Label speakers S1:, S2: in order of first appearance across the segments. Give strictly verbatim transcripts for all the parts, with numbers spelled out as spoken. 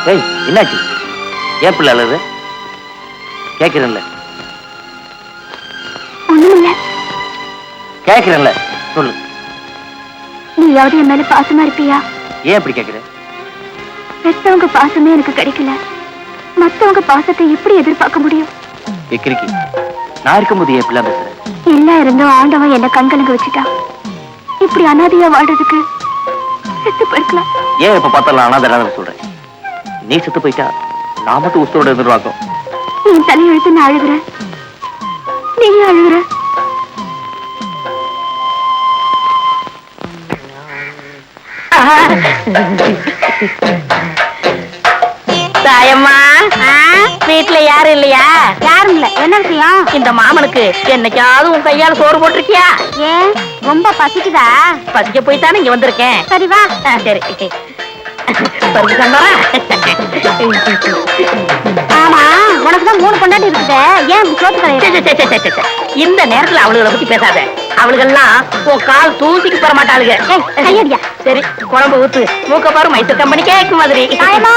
S1: ஏய் என்னாச்சு? ஏன் பிள்ளை அழுது? கேட்கிறேன்ல
S2: ஒண்ணுமில்ல.
S1: கேட்கிறேன்ல சொல்லு.
S2: நீயாவது என் மேல பாசமா இருப்பியா?
S1: ஏன் இப்படி கேட்கிற?
S2: பெத்தவங்க பாசமே எனக்கு கிடைக்கல, மத்தவங்க பாசத்தை எப்படி எதிர்பார்க்க முடியும்?
S1: எக்கிரிக்கி நான் இருக்கும்போது ஏன் பிள்ளை பேசுற?
S2: எல்லாம் இருந்தும் ஆண்டவன் என்ன கண்கலங்க வச்சுட்டான். இப்படி அனாதையா வாழ்றதுக்கு செத்து போயிருக்கலாம்.
S1: ஏன் இப்ப பார்த்தாலும் அனாதை சொல்றேன்? நீ செத்து போயிட்டா நான் மட்டும் உசுரோட எதிர்பார்க்கும்.
S2: என் தலையெழுத்து நான் அழுகுறேன், நீயே அழுகுற.
S3: தாயம்மா, வீட்டுல யாரும் இல்லையா?
S2: யாரும் இல்ல. என்ன விஷயம்?
S3: இந்த மாமனுக்கு என்னைக்காவது உன் கையால சோறு போட்டிருக்கியா?
S2: ஏன் ரொம்ப பசிக்குதா?
S3: பசிக்க போய்தானே இங்க வந்திருக்கேன்.
S2: சரி வா.
S3: சரி
S2: ஆமா, உனக்குதான் மூணு கொண்டாடி இருக்குது, ஏன் சோத்து கிடையாது?
S3: இந்த நேரத்துல அவளுகளை பத்தி பேசாத. அவளுகெல்லாம் உன் கால் தூசிக்கு போற மாட்டாளுங்க.
S2: கையடியா.
S3: சரி குழம்பு ஊத்து. மூக்க பாரு மைசூர் கம்பெனி கேக்கு மாதிரி.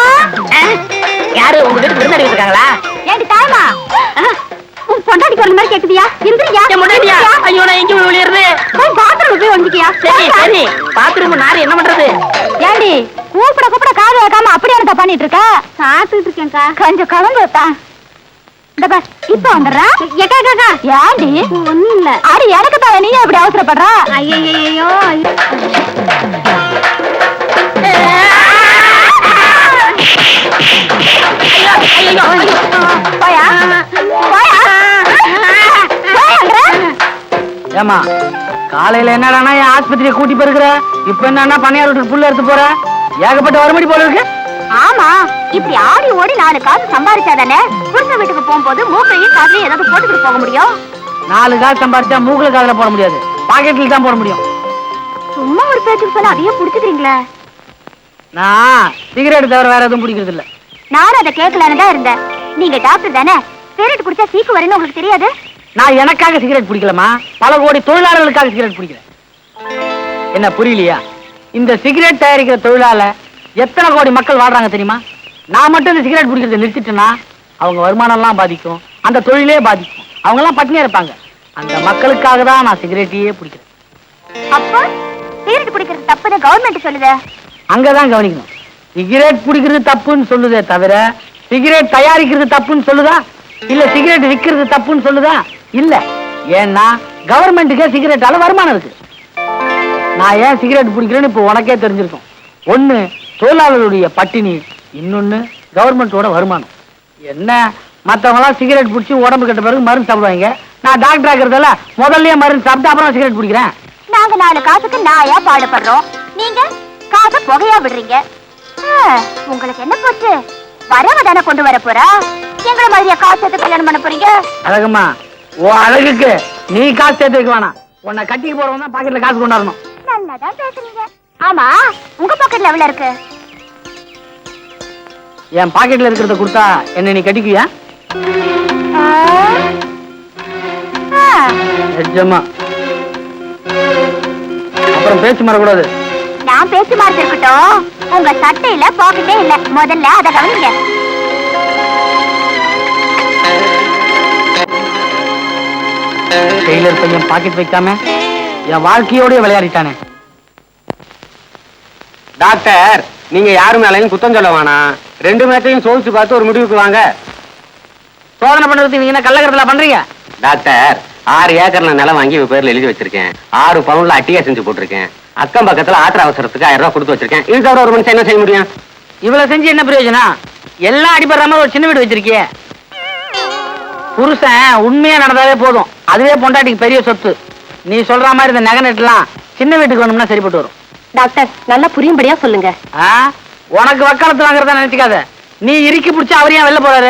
S3: யாரு உங்க வீட்டுக்கு விருந்தாடி இருக்காங்களா?
S2: ஏண்டி தாயமா, உன் பொண்டாடி குரல் மாதிரி கேக்குதியா? இந்திரியா
S3: முன்னாடியா? ஐயோ நான் எங்க விழுறது?
S2: பாத்ரூம் போய் வந்துக்கியா?
S3: சரி சரி பாத்ரூம் நாரு என்ன பண்றது?
S2: ஏண்டி கூப்பிட கூப்பிட காது வைக்காம அப்படியே பண்ணிட்டு இருக்க? சாப்பிட்டு இருக்கேன்க்கா. கொஞ்சம் கலந்து வைப்பா. இந்த பஸ் இப்ப வந்துடுறா. ஏக்கா கேக்கா ஏண்டி? ஒண்ணும் இல்ல. அடி எனக்கு தான், நீ எப்படி அவசரப்படுறா? ஐயோ
S4: ஏமா காலையில என்னடானா என் ஆஸ்பத்திரியை கூட்டி போயிருக்கிற, இப்ப என்னன்னா பணியார் வீட்டுக்கு புள்ள எடுத்து போற, ஏகப்பட்ட வருமடி போல இருக்கு.
S2: ஆமா, இப்படி ஆடி ஓடி நாலு காசு சம்பாதிச்சாதானே புருஷன் வீட்டுக்கு போகும்போது மூக்கையும் காதுலயும் ஏதாவது போட்டுக்கிட்டு போக முடியும்.
S4: நாலு காசு சம்பாதிச்சா மூக்குல காதுல போட முடியாது, பாக்கெட்ல தான் போட முடியும்.
S2: சும்மா ஒரு பேச்சுக்கு சொன்னா அதையே புடிச்சுக்கிறீங்களே.
S4: நான் சிகரெட் தவிர வேற எதுவும் பிடிக்கிறது இல்ல.
S2: நானும் அதை கேட்கலான்னு தான் இருந்தேன். நீங்க டாக்டர் தானே, சிகரெட் குடிச்சா சீக்கு வரும்னு உங்களுக்கு தெரியாது?
S4: நான் எனக்காக சிகரெட் பிடிக்கலமா, பல கோடி தொழிலாளர்களுக்காக சிகரெட் பிடிக்கிறேன். என்ன புரியலையா? இந்த சிகரெட் தயாரிக்கிற தொழிலால எத்தனை கோடி மக்கள் வாழ்றாங்க தெரியுமா? நான் மட்டும் இந்த சிகரெட் பிடிக்கிறத நிறுத்திட்டேன்னா அவங்க வருமானம் எல்லாம் பாதிக்கும், அந்த தொழிலே பாதிக்கும், அவங்க எல்லாம் பட்டினியா இருப்பாங்க. அந்த மக்களுக்காக தான் நான் சிகரெட்டையே பிடிக்கிறேன்.
S2: அப்ப சிகரெட் குடிக்கிறது தப்புன்னு கவர்மெண்ட் சொல்லுது.
S4: அங்கதான் கவனிக்கணும். சிகரெட் பிடிக்கிறது தப்புன்னு சொல்லுதே தவிர சிகரெட் தயாரிக்கிறது தப்புன்னு சொல்லுதா? இல்ல சிகரெட் விற்கிறது தப்புன்னு சொல்லுதா? இல்ல. ஏன்னா கவர்மெண்ட்டுக்கே சிகரெட்டால வருமானம் இருக்கு. நான் ஏன் சிகரெட் பிடிக்கிறேன்னு இப்ப உனக்கே தெரிஞ்சிருக்கும். ஒண்ணு தொழிலாளர்களுடைய பட்டினி, இன்னொன்னு கவர்மெண்டோட வருமானம். என்ன மற்றவங்க எல்லாம் சிகரெட் பிடிச்சி உடம்பு கட்ட பிறகு மருந்து சாப்பிடுவாங்க, நான் டாக்டர் ஆகிறதால முதல்லயே மருந்து சாப்பிட்டு அப்புறம் சிகரெட் பிடிக்கிறேன்.
S2: நாங்க நாலு காசுக்கு நாயா பாடுபடுறோம், நீங்க காசை புகையா விடுறீங்க. உங்களுக்கு என்ன போச்சு? வரவ தானே கொண்டு வர போறா, எங்களை மாதிரியா காசு சேர்த்து கல்யாணம் பண்ண போறீங்க?
S4: அழகம்மா, ஓ அழகுக்கு நீ காசு சேர்த்து வைக்க வேணாம். உன்னை கட்டிக்கு போறவங்க தான் பாக்கெட்ல காசு கொண்டாடணும்.
S2: நல்லாதான் பேசுறீங்க. ஆமா, உங்க பாக்கெட்ல எவ்வளவு இருக்கு?
S4: என் பாக்கெட்ல இருக்கிறத கொடுத்தா என்ன நீ கட்டிக்குவியா? நிஜமா. அப்புறம் பேச்சு மாறக்கூடாது.
S2: நான் பேச்சு மாறது இருக்கட்டும், உங்க சட்டையில பாக்கெட்டே இல்ல, முதல்ல அதை கவனிங்க.
S4: டெய்லர் பையன் பாக்கெட் வைக்காம என் வாழ்க்கையோடய விளையாடிட்டானே.
S5: டாக்டர், நீங்க யாரு மேலையும் குத்தம் சொல்ல வேணாம். ரெண்டு மேட்டையும் சோதிச்சு பார்த்து ஒரு முடிவுக்கு வாங்க.
S4: சோதனை பண்றதுக்கு நீங்க என்ன கள்ளக்கடத்துல பண்றீங்க?
S5: டாக்டர், ஆறு ஏக்கர்ல நிலம் வாங்கி பேர்ல எழுதி வச்சிருக்கேன். ஆறு பவுன்ல அட்டியா செஞ்சு போட்டிருக்கேன். அக்கம் பக்கத்துல ஆத்திர அவசரத்துக்கு ஆயிரம் ரூபாய் கொடுத்து வச்சிருக்கேன். இது தவிர ஒரு மனுஷன் என்ன செய்ய முடியும்?
S4: இவ்வளவு செஞ்சு என்ன பிரயோஜனம்? எல்லாம் அடிபடுற மாதிரி ஒரு சின்ன வீடு வச்சிருக்கிய. புருஷன் உண்மையா நடந்தாவே போதும், அதுவே பொண்டாட்டிக்கு பெரிய சொத்து. நீ சொல்ற மாதிரி இந்த நகை நெட்டுலாம் சின்ன வீட்டுக்கு வேணும்னா சரிப்பட்டு வரும்.
S2: டாக்டர், நல்லா புரியும்படியா சொல்லுங்க.
S4: உனக்கு வக்காலத்து வாங்குறதா நினைச்சுக்காத. நீ இறுக்கி பிடிச்சா அவர் ஏன் வெளில போறாரு?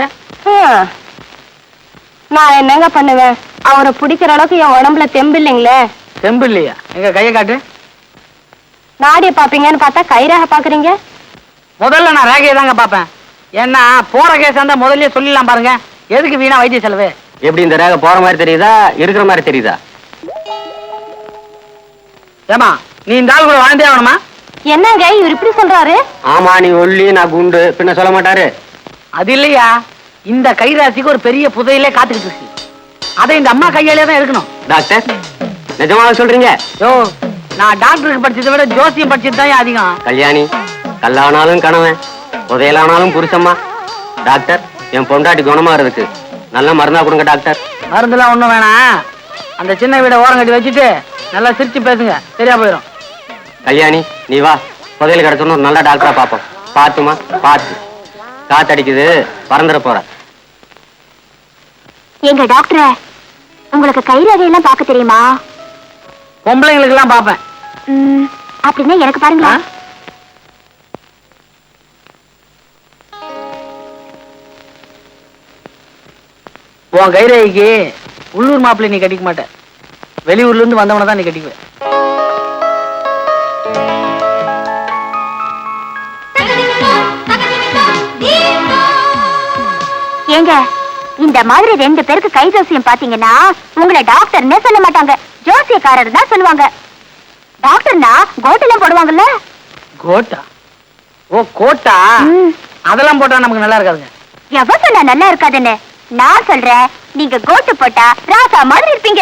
S2: நான் என்னங்க பண்ணுவேன்? அவரை பிடிக்கிற அளவுக்கு என் உடம்புல தெம்பு இல்லைங்களே.
S4: தெம்பு இல்லையா? எங்க கையை காட்டு.
S2: நாடிய பாப்பீங்கன்னு பார்த்தா கைராக பாக்குறீங்க.
S4: முதல்ல நான் ரேகையை தாங்க பாப்பேன். ஏன்னா போற கேஸ் இருந்தா முதல்ல சொல்லிடலாம் பாருங்க. எதுக்கு வீணா வைத்திய செலவு?
S5: எப்படி இந்த ரேகை போற மாதிரி தெரியுதா, இருக்கிற மாதிரி தெரியுதா?
S4: ஏமா, நீ இந்த ஆள் கூட வாழ்ந்தே ஆகணுமா?
S2: என்னங்க இவர் இப்படி சொல்றாரு?
S5: ஆமா, நீ ஒல்லி, நான் குண்டு, பின்ன சொல்ல மாட்டாரு.
S4: அது இல்லையா, இந்த கைராசிக்கு ஒரு பெரிய புதையிலே காத்துக்கிட்டு இருக்கு. அதை இந்த அம்மா கையாலே தான் எடுக்கணும்.
S5: டாக்டர், நிஜமாக சொல்றீங்க?
S4: யோ, நான் டாக்டருக்கு படிச்சதை விட ஜோசியம் படிச்சது தான் அதிகம்.
S5: கல்யாணி, கல்லானாலும் கணவன், புதையலானாலும் புருஷம்மா. டாக்டர், என் பொண்டாட்டி குணமா இருக்கு, நல்ல மருந்தா கொடுங்க டாக்டர்.
S4: மருந்துலாம் ஒண்ணும் வேணாம், அந்த சின்ன வீட ஓரம் கட்டி வச்சுட்டு நல்லா சிரிச்சு பேசுங்க, சரியா போயிடும்.
S5: கல்யாணி, நீ வா, புதையல் கிடைச்சோன்னு ஒரு நல்ல டாக்டரா பாப்போம். பாத்துமா, பாத்து. காத்தடிக்குது, பறந்துட போற.
S2: எங்க டாக்டர், உங்களுக்கு கைரகையெல்லாம் பார்க்க தெரியுமா?
S4: பொம்பளைங்களுக்கு எல்லாம் பாப்பேன்.
S2: அப்படின்னா எனக்கு பாருங்களா.
S4: உன் கைரகைக்கு உள்ளூர் மாப்பிள்ளை நீ கட்டிக்க மாட்ட, வெளியூர்ல இருந்து வந்தவன தான் நீ கட்டிக்குவ.
S2: ஏங்க, இந்த மாதிரி ரெண்டு பேருக்கு கை ஜோசியம் பாத்தீங்கன்னா உங்களை டாக்டர்னே சொல்ல மாட்டாங்க, ஜோசியக்காரர் தான் சொல்லுவாங்க. டாக்டர்னா கோட்டெல்லாம் போடுவாங்கல்ல.
S4: கோட்டா? ஓ கோட்டா, அதெல்லாம் போட்டா நமக்கு நல்லா இருக்காதுங்க.
S2: எவ சொன்னா நல்லா இருக்காதுன்னு? நான் சொல்றேன், நீங்க கோட்டு போட்டா ராசா மாதிரி இருப்பீங்க.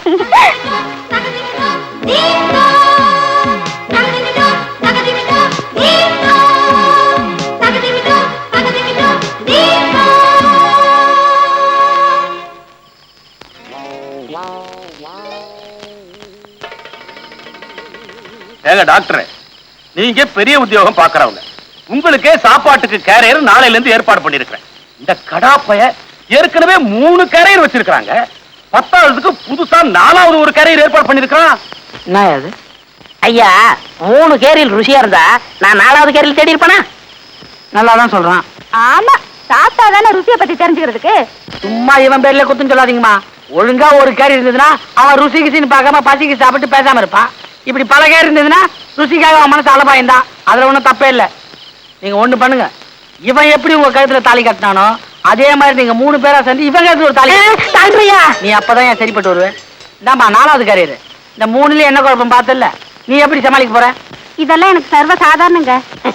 S6: ஏங்க டாக்டர், நீங்க பெரிய உத்தியோகம் பாக்குறவங்க, உங்களுக்கே சாப்பாட்டுக்கு கேரியர் நாளையில இருந்து ஏற்பாடு பண்ணிருக்கிறேன். இந்த கடாப்பைய ஏற்கனவே மூணு கேரியர் வச்சிருக்காங்க, பத்தாவதுக்கு புதுசா நாலாவது ஒரு கேரியர் ஏற்பாடு பண்ணிருக்கான்.
S4: என்ன அது?
S3: ஐயா, மூணு கேரியில் ருசியா இருந்தா நான் நாலாவது கேரியில் தேடி இருப்பேனா?
S4: நல்லாதான் சொல்றான்.
S2: ஆமா, சாப்பிட்டா தானே ருசியை பத்தி தெரிஞ்சுக்கிறதுக்கு.
S4: சும்மா இவன் பேர்ல குத்துன்னு சொல்லாதீங்கம்மா. ஒழுங்கா ஒரு கேரி இருந்ததுன்னா அவன் ருசி கிசின்னு பார்க்காம பசிக்கு சாப்பிட்டு பேசாம இருப்பான். இப்படி பல கேரி இருந்ததுன்னா ருசிக்காக அவன் மனசு அலபாயந்தா, அதுல ஒண்ணும் தப்பே இல்லை. நீங்க ஒண்ணு பண்ணுங்க, இவன் எப்படி உங்க கழுத்துல தாலி கட்டினானோ அதே மாதிரி நீங்க மூணு பேரா சேர்ந்து இவன் கழுத்துல ஒரு தாலி. நீ அப்பதான் என் சரிப்பட்டு வருவேன். இந்தாம்மா நாலாவது கேரியர். இந்த மூணுல என்ன குழப்பம் பார்த்தல, நீ எப்படி சமாளிக்க போற?
S2: இதெல்லாம் எனக்கு சர்வ சாதாரணங்க.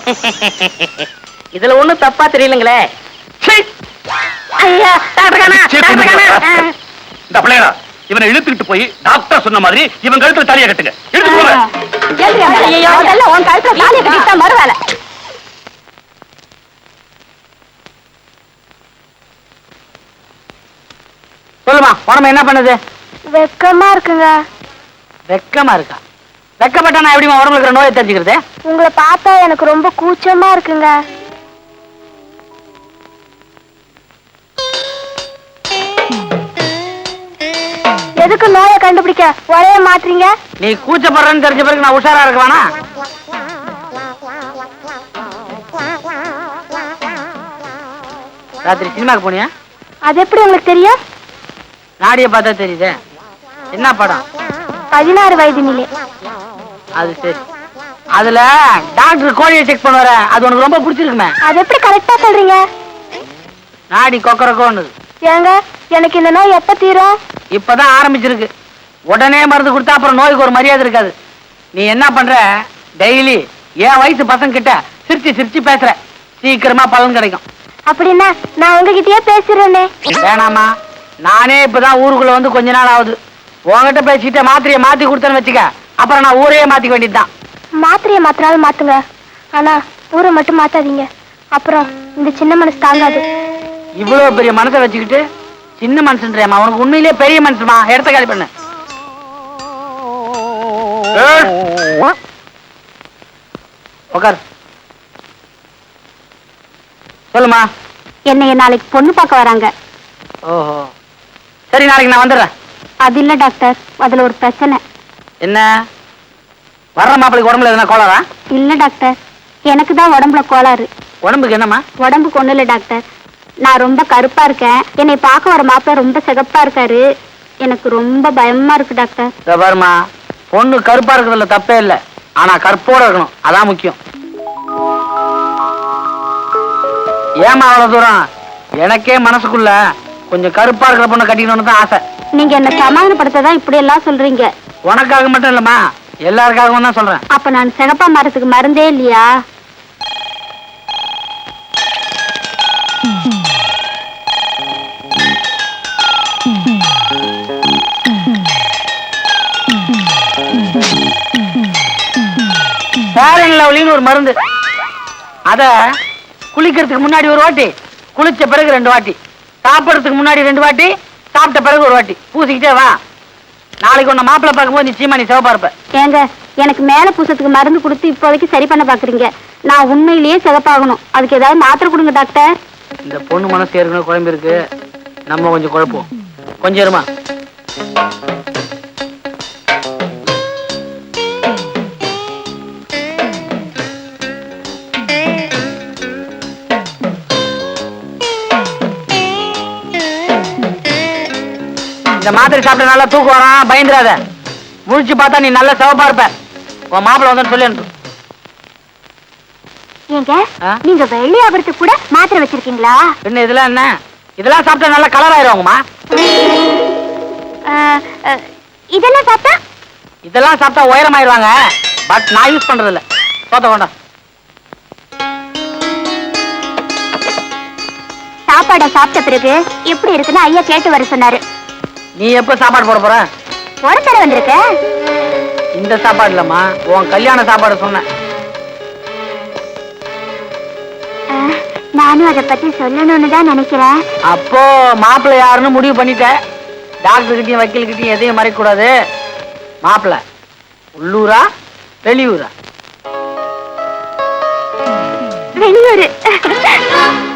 S3: இதுல ஒண்ணும் தப்பா தெரியலங்களே. ஐயா, டாக்டர் காணா, டாக்டர் காணா.
S6: இந்த பிள்ளையா, இவனை இழுத்துக்கிட்டு போய் டாக்டர் சொன்ன மாதிரி இவன் கழுத்துல தாலியை கட்டுங்க. இழுத்து போங்க.
S2: ஐயோ, அதெல்லாம் உன் கழுத்துல தாலியை கட்டிட்டா மறு வேலை.
S4: சொல்லுமா, உடம்பு என்ன பண்ணுது?
S2: வெக்கமா இருக்குங்க.
S4: வெக்கமா இருக்கா? வெக்கப்பட்டா நான் எப்படிமா உடம்புல இருக்கிற நோயை தெரிஞ்சுக்கிறது?
S2: உங்களை பார்த்தா எனக்கு ரொம்ப கூச்சமா இருக்குங்க. எதுக்கு நோயை கண்டுபிடிக்க ஒரே மாற்றீங்க?
S4: நீ கூச்சப்படுறன்னு தெரிஞ்ச பிறகு நான் உஷாரா இருக்க வேணா? ராத்திரி சினிமாக்கு போனியா?
S2: அது எப்படி உங்களுக்கு தெரியும்?
S4: நாடிய பார்த்தா தெரியுதே. என்ன படம்?
S2: பதினாறு வயது நிலை.
S4: அது சரி. அதுல டாக்டர் கோழியை செக் பண்ணுவார, அது உனக்கு ரொம்ப பிடிச்சிருக்குமே.
S2: அது எப்படி கரெக்டா சொல்றீங்க?
S4: நாடி கொக்கரக்கோன்னு.
S2: ஏங்க, எனக்கு இந்த நோய் எப்ப தீரும்?
S4: இப்பதான் ஆரம்பிச்சிருக்கு. உடனே மருந்து கொடுத்தா அப்புறம் நோய்க்கு ஒரு மரியாதை இருக்காது. நீ என்ன பண்ற, டெய்லி என் வயசு பசங்க கிட்ட சிரிச்சு சிரிச்சு பேசுற, சீக்கிரமா பலன் கிடைக்கும்.
S2: அப்படின்னா நான் உங்ககிட்டயே பேசுறேனே.
S4: வேணாமா, நானே இப்பதான் ஊருக்குள்ள வந்து கொஞ்ச நாள் ஆகுது. உங்ககிட்ட பேசிட்டு மாத்திரையை மாத்தி கொடுத்தேன்னு வச்சுக்க, அப்புறம் நான் ஊரையே மாத்திக்க வேண்டியதுதான்.
S2: மாத்திரையை மாத்தினாலும் மாத்துங்க, ஆனா ஊரை மட்டும் மாத்தாதீங்க, அப்புறம் இந்த சின்ன மனசு தாங்காது.
S4: இவ்வளவு பெரிய மனசை வச்சுக்கிட்டு சின்ன மனுஷன்றியாமா? உனக்கு உண்மையிலேயே பெரிய மனுஷமா? எடுத்த காலி பண்ணு. உட்கார். சொல்லுமா.
S2: என்னைய நாளைக்கு பொண்ணு பார்க்க வராங்க.
S4: ஓஹோ, சரி, நாளைக்கு நான் வந்துடுறேன்.
S2: அது இல்ல டாக்டர், அதுல ஒரு பிரச்சனை.
S4: என்ன? வர்ற மாப்பிளைக்கு உடம்புல எதுனா கோளாரா?
S2: இல்ல டாக்டர், எனக்கு தான் உடம்புல கோளாறு.
S4: உடம்புக்கு என்னம்மா?
S2: உடம்புக்கு ஒண்ணு இல்ல டாக்டர், நான் ரொம்ப கருப்பா இருக்கேன். என்னை பார்க்க வர மாப்பிள்ள ரொம்ப சிகப்பா இருக்காரு. எனக்கு ரொம்ப பயமா இருக்கு டாக்டர்.
S4: இதோ பாருமா, பொண்ணு கருப்பா இருக்கிறதுல தப்பே இல்லை, ஆனா கற்போட இருக்கணும், அதான் முக்கியம். ஏமா அவ்வளவு தூரம்? எனக்கே மனசுக்குள்ள கொஞ்சம் கருப்பா இருக்கிற பொண்ணை கட்டிக்கணும்னு தான் ஆசை.
S2: நீங்க என்ன சமாதானப்படுத்ததான் இப்படி எல்லாம் சொல்றீங்க.
S4: உனக்காக மட்டும் இல்லம்மா, எல்லாருக்காகவும் தான் சொல்றேன்.
S2: அப்ப நான் சிகப்பா மரத்துக்கு மருந்தே இல்லையா?
S4: ஃபேர் லவ்லின்னு ஒரு மருந்து, அத குளிக்கிறதுக்கு முன்னாடி ஒரு வாட்டி, குளிச்ச பிறகு ரெண்டு வாட்டி, சாப்பிடறதுக்கு முன்னாடி ரெண்டு வாட்டி, சாப்பிட்ட பிறகு ஒரு வாட்டி பூசிக்கிட்டே வா. நாளைக்கு உன்னை மாப்பிள்ளை பார்க்கும்போது நிச்சயமா நீ சிவப்பா இருப்ப.
S2: ஏங்க, எனக்கு மேல பூசத்துக்கு மருந்து கொடுத்து இப்போதைக்கு சரி பண்ண பாக்குறீங்க. நான் உண்மையிலேயே சிவப்பாகணும். அதுக்கு ஏதாவது மாத்திரை கொடுங்க டாக்டர்.
S4: இந்த பொண்ணு மனசு ஏற்கனவே குழம்பு இருக்கு, நம்ம கொஞ்சம் குழப்போம். கொஞ்சம் இருமா. இந்த மாத்திரை சாப்பிட்ட நல்லா தூக்கம் வரான், பயந்துராத. முழிச்சு பார்த்தா நீ நல்ல சிவப்பா இருப்ப. உன் மாப்பிள்ள வந்து சொல்லி அனுப்பு.
S2: ஏங்க, நீங்க வெள்ளி ஆபரத்துக்கு கூட மாத்திரை வச்சிருக்கீங்களா?
S4: என்ன இதெல்லாம் என்ன? இதெல்லாம் சாப்பிட்டா நல்லா கலர் ஆயிருவாங்கம்மா.
S2: இதெல்லாம் சாப்பிட்டா
S4: இதெல்லாம் சாப்பிட்டா உயரமாயிருவாங்க. பட் நான் யூஸ் பண்றது இல்ல. சோத்த வேண்டாம்.
S2: சாப்பாடை சாப்பிட்ட பிறகு எப்படி இருக்குன்னு ஐயா கேட்டு வர சொன்னாரு.
S4: நீ எப்ப சாப்பாடு போட போற?
S2: ஒரு தடவை வந்திருக்க.
S4: இந்த சாப்பாடு இல்லம்மா, உன் கல்யாண சாப்பாடு சொன்ன.
S2: நானும் அதை பத்தி சொல்லணும்னு தான் நினைக்கிறேன்.
S4: அப்போ மாப்பிள்ளை யாருன்னு முடிவு பண்ணிட்ட. டாக்டர் கிட்டயும் வக்கீல் கிட்டயும் எதையும் மறைக்க கூடாது. மாப்பிள்ளை உள்ளூரா வெளியூரா?
S2: வெளியூரு.